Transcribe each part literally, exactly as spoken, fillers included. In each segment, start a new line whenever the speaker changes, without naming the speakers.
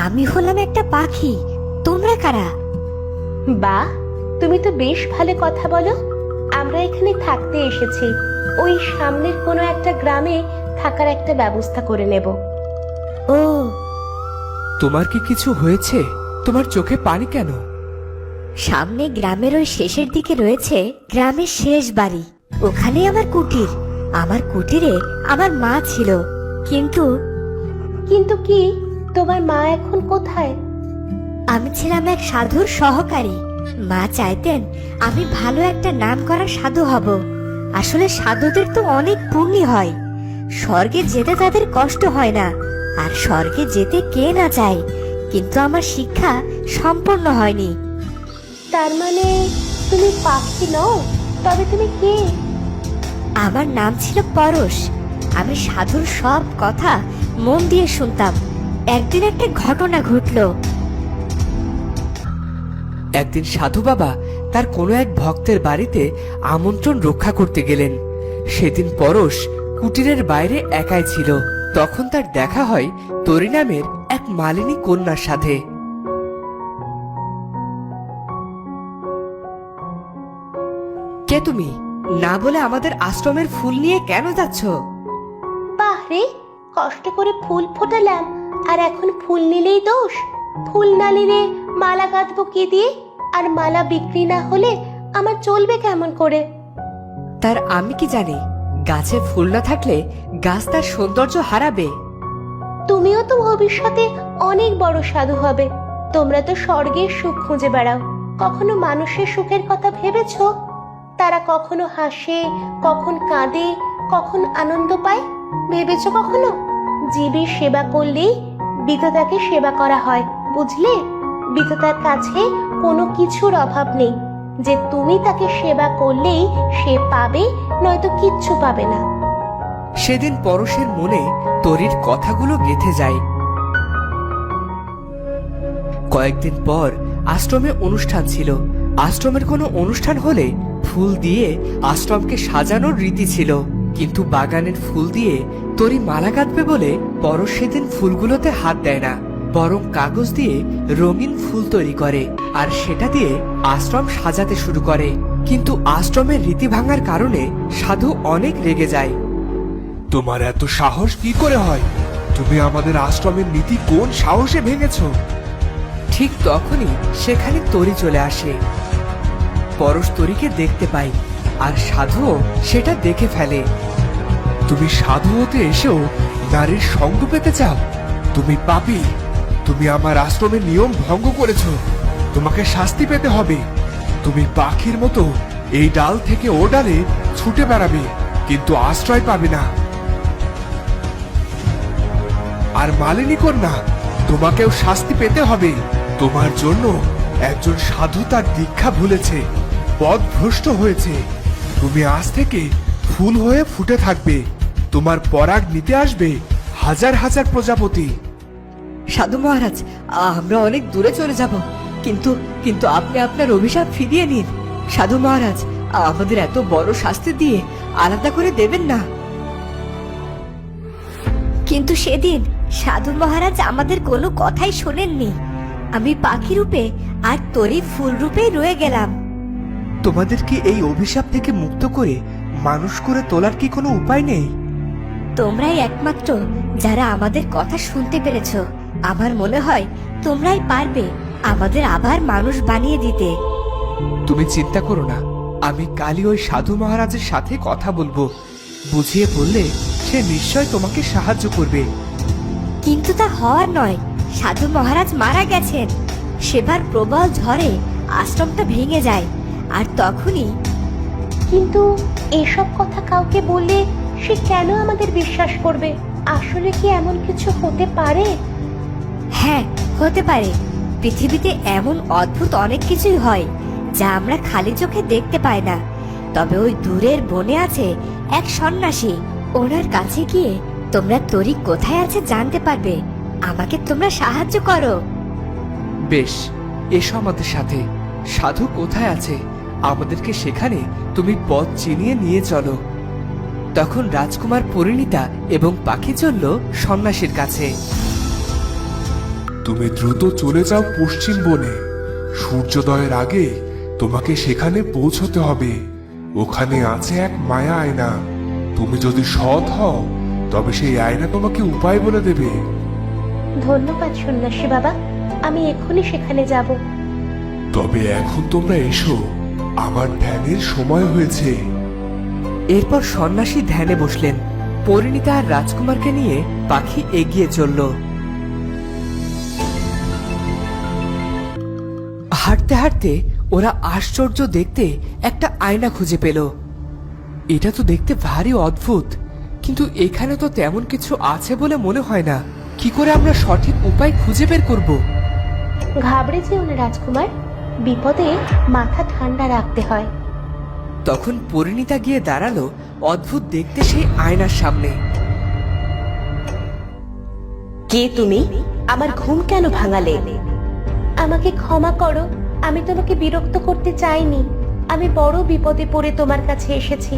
আমি হলাম একটা পাখি, তোমরা কারা?
বাহ, তুমি তো বেশ ভালো কথা বলো। আমরা এখানে থাকতে এসেছি, ওই সামনের কোনো একটা গ্রামে থাকার একটা ব্যবস্থা করে নেব।
ও,
তোমার কি কিছু হয়েছে? তোমার চোখে পানি কেন?
সামনে গ্রামের ওই শেষের দিকে রয়েছে গ্রামের শেষ বাড়ি, ওখানে আমার কুটির। আমার কুটিরে আমার মা ছিল, কিন্তু
কিন্তু কি, তোমার মা এখন কোথায়?
আমি ছিলাম এক সাধুর সহকারী। মা চাইতেন আমি ভালো একটা নাম করা সাধু হব। আসলে সাধুদের তো অনেক পুণ্য হয়, স্বর্গে যেতে তাদের কষ্ট হয় না। আর স্বর্গে যেতে কে না চায়, কিন্তু আমার শিক্ষা সম্পূর্ণ হয়নি।
তার মানে তুমি পাখি নও, তবে তুমি কে?
আমার নাম ছিল পরশ। আমি সাধুর সব কথা মন দিয়ে শুনতাম। একদিন একটা ঘটনা ঘটলো।
একদিন সাধু বাবা তার কোনো এক ভক্তের বাড়িতে আমন্ত্রণ রক্ষা করতে গেলেন। সেদিন পরশ কুটিরের বাইরে একাই ছিল। তখন তার দেখা হয় তরি নামের এক মালিনী কন্যার সাথে। কে তুমি? না বলে আমাদের আশ্রমের ফুল নিয়ে কেন যাচ্ছ?
বাহ রে, কষ্ট করে ফুল ফোটালাম আর এখন ফুল নিলেই দোষ? ফুল না নিলে মালা গাঁথবো কি দিয়ে? আর মালা বিক্রি না হলে আমার চলবে কেমন করে?
তার আমি কি জানি, গাছে ফুল না থাকলে গাছ তার সৌন্দর্য হারাবে।
তুমিও তো ভবিষ্যতে অনেক বড় সাধু হবে। তোমরা তো স্বর্গের সুখ খুঁজে বেড়াও, কখনো মানুষের সুখের কথা ভেবেছো? তারা কখনো হাসে, কখন কাঁদে, কখন আনন্দ পায়, ভেবেছো কখনো? জীবের সেবা করলেই বিধাতাকে সেবা করা হয়, বুঝলে? বিধাতার কাছে কোনো কিছুর অভাব নেই, যে তুমি তাকে সেবা করলেই সে পাবে, নয়তো কিচ্ছু পাবে না।
সেদিন পরশের মনে তরির কথাগুলো গেঁথে যায়। কয়েকদিন পর আশ্রমে অনুষ্ঠান ছিল। আশ্রমের কোনো অনুষ্ঠান হলে ফুল দিয়ে আশ্রমকে সাজানোর রীতি ছিল, কিন্তু বাগানের ফুল দিয়ে তরি মালা গাঁথবে বলে পরশ সেদিন ফুলগুলোতে হাত দেয় না, বরং কাগজ দিয়ে রঙিন ফুল তৈরি করে আর সেটা দিয়ে আশ্রম সাজাতে শুরু করে। কিন্তু আশ্রমের রীতি ভাঙার কারণে সাধু অনেক রেগে যায়।
তোমার এত সাহস কি করে হয়? তুমি আমাদের আশ্রমের নীতি কোন সাহসে ভেঙেছো?
ঠিক তখনই সেখানে তরি চলে আসে। পরশ তরিকে দেখতে পাই আর সাধুও সেটা দেখে ফেলে।
তুমি সাধু হতে এসেও নারীর সঙ্গ পেতে চাও? তুমি পাপী, তুমি আমার আশ্রমের নিয়ম ভঙ্গ করেছো। তোমাকে শাস্তি পেতে হবে। তুমি পাখির মতো এই ডাল থেকে ও ডালে ছুটে বেড়াবে, কিন্তু আশ্রয় পাবে না। আর মালিনী কন্যা, তোমাকেও শাস্তি পেতে হবে। তোমার জন্য একজন সাধু তার দীক্ষা ভুলেছে, পথভ্রষ্ট হয়েছে। তুমি আজ থেকে ফুল হয়ে ফুটে থাকবে। তোমার পরাগ নিতে আসবে হাজার হাজার প্রজাপতি।
সাধু মহারাজ, আমরা অনেক দূরে চলে যাব, কিন্তু কিন্তু আপনি আপনার অভিশাপ ফিরিয়ে নিন। সাধু মহারাজ, আমাদের এত বড় শাস্তি দিয়ে আলাদা করে দেবেন না।
কিন্তু সেদিন সাধু মহারাজ আমাদের কোনো কথাই শোনেননি। আমি পাখি রূপে আর তরি ফুল রূপে রয়ে গেলাম।
তোমাদের কি এই অভিশাপ থেকে মুক্ত করে মানুষ করে তোলার কি কোনো উপায় নেই?
তোমরাই একমাত্র যারা আমাদের কথা শুনতে পেরেছো। আমার মনে হয় তোমরাই পারবে আমাদের আবার মানুষ বানিয়ে দিতে।
তুমি চিন্তা করো না, আমি কালই ওই সাধু মহারাজের সাথে কথা বলবো। বুঝিয়ে বললে সে নিশ্চয় তোমাকে সাহায্য করবে।
কিন্তু তা হওয়ার নয়, সাধু মহারাজ মারা গেছেন। সেবার প্রবল ঝড়ে আশ্রমটা ভেঙে যায়, আর তখনই।
কিন্তু এসব কথা কাউকে বললে সে কেন আমাদের বিশ্বাস করবে? আসলে কি এমন কিছু হতে পারে?
হ্যাঁ, হতে পারে। পৃথিবীতে এমন অদ্ভুত অনেক কিছুই হয় যা আমরা খালি চোখে দেখতে পাই না। তবে ওই দূরের বনে আছে এক সন্ন্যাসী। ওনার কাছে গিয়ে তোমরা তরি কোথায় আছে জানতে পারবে। আমাকে তোমরা সাহায্য করো।
বেশ, এসো আমাদের সাথে। সাধু কোথায় আছে আমাদেরকে সেখানে তুমি পথ চিনিয়ে নিয়ে চলো। তখন রাজকুমার পরিণীতা এবং পাখি চলল সন্ন্যাসীর কাছে।
তুমি দ্রুত চলে যাও পশ্চিম বনে। সূর্যোদয়ের আগে তোমাকে সেখানে পৌঁছতে হবে। ওখানে আছে এক মায়া আয়না। তুমি যদি সৎ হও তবে সেই আয়না তোমাকে উপায় বলে দেবে।
ধন্যবাদ সন্ন্যাসী বাবা, আমি এক্ষুনি সেখানে যাব।
তবে এখন তোমরা এসো, আমার ধ্যানের সময় হয়েছে।
এরপর সন্ন্যাসী ধ্যানে বসলেন। পরিণীতা আর রাজকুমারকে নিয়ে পাখি এগিয়ে চলল। হাঁটতে হাঁটতে ওরা আশ্চর্য দেখতে একটা আয়না খুঁজে পেল। এটা তো দেখতে ভারী অদ্ভুত, কিন্তু এখানে তো তেমন কিছু আছে বলে মনে হয় না। কি করে আমরা সঠিক উপায় খুঁজে বের করব?
ঘাবড়ে যেও না রাজকুমার, বিপদে মাথা ঠান্ডা রাখতে হয়।
তখন পরিণীতা গিয়ে দাঁড়ালো অদ্ভুত দেখতে সেই আয়নার সামনে।
কে তুমি? আমার ঘুম কেন ভাঙালে? আমাকে ক্ষমা করো, আমি তোমাকে বিরক্ত করতে চাইনি। আমি বড় বিপদে পড়ে তোমার কাছে এসেছি।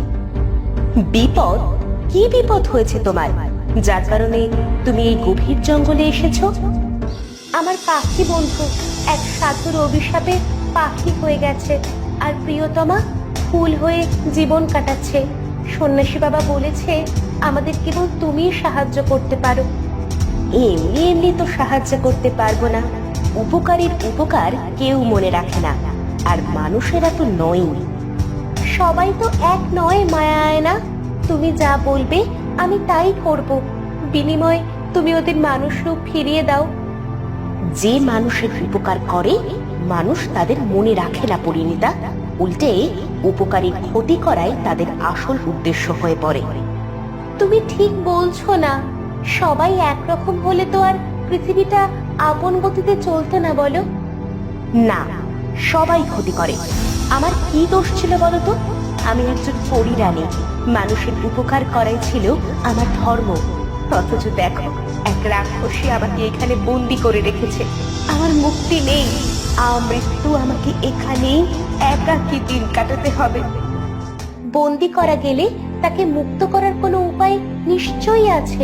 বিপদ? কি বিপদ হয়েছে তোমার, যার কারণে তুমি এই গভীর জঙ্গলে এসেছো? আমার পাখি বন্ধু এক সাধুর অভিশাপে পাখি হয়ে গেছে, আর প্রিয়তমা ফুল হয়ে জীবন কাটাচ্ছে। সন্ন্যাসী বাবা বলেছে আমাদের কেবল তুমিই সাহায্য করতে পারো। এমনি এমনি তো সাহায্য করতে পারবো না। উপকারীর উপকার কেউ মনে রাখে না, আর মানুষেরা তো নয়। সবাই তো এক নয় মায়া আয়না। তুমি যা বলবে আমি তাই করব। বিনিময়ে তুমি ওদের মানুষ রূপ ফিরিয়ে দাও। যে মানুষের উপকার করে মানুষ তাদের মনে রাখে না পরিণীতা, উল্টে উপকারীর ক্ষতি করাই তাদের আসল উদ্দেশ্য হয়ে পড়ে। তুমি ঠিক বলছো না। সবাই একরকম হলে তো আর পৃথিবীটা আপন গতিতে চলতো না, বলো? না, সবাই ক্ষতি করে। আমার কি দোষ ছিল বলো তো? আমি একজন পরিরানী, মানুষের উপকার করাই ছিল আমার ধর্ম। অথচ দেখো, এক রাক্ষসী আমাকে এখানে বন্দি করে রেখেছে। আমার মুক্তি নেই। আমৃত্যু আমাকে এখানেই একাকী দিন কাটাতে হবে। বন্দি করা গেলে তাকে মুক্ত করার কোনো উপায় নিশ্চয়ই আছে।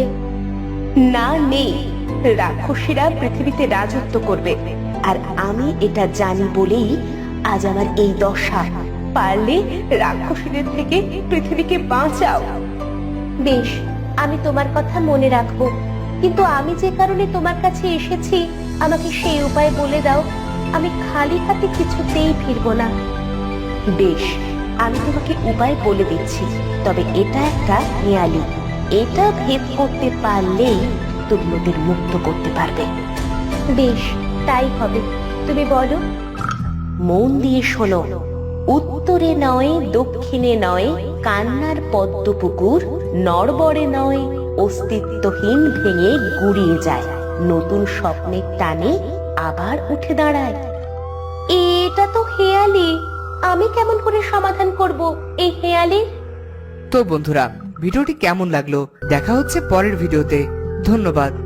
না, নেই। রাক্ষসীরা পৃথিবীতে রাজত্ব করবে, আর আমি এটা জানি বলেই আজ আমার এই দশা। পারলে রাক্ষসীদের থেকে পৃথিবীকে বাঁচাও। বেশ, আমি তোমার কথা মনে রাখবো, কিন্তু আমি যে কারণে তোমার কাছে এসেছি আমাকে সেই উপায় বলে দাও। আমি খালি হাতে কিছুতেই ফিরবো না। বেশ, আমি তোমাকে উপায় বলে দিচ্ছি, তবে এটা একটা নিয়ালি। এটা ভেদ করতে পারলেই তুমি ওদের মুক্ত করতে পারবে। বেশ, তাই হবে। তুমি বলো। মন দিয়ে শোনো। উত্তরে নয়, দক্ষিণে নয়, কান্নার পদ্মপুকুর নড়বড়ে নয়, অস্তিত্বহীন ভেঙে গুড়িয়ে যায়, নতুন স্বপ্নের টানে আবার উঠে দাঁড়ায়। এটা তো হেয়ালি। আমি কেমন করে সমাধান করব এই হেয়ালি?
তো বন্ধুরা, ভিডিওটি কেমন লাগলো দেখা হচ্ছে পরের ভিডিওতে। ধন্যবাদ।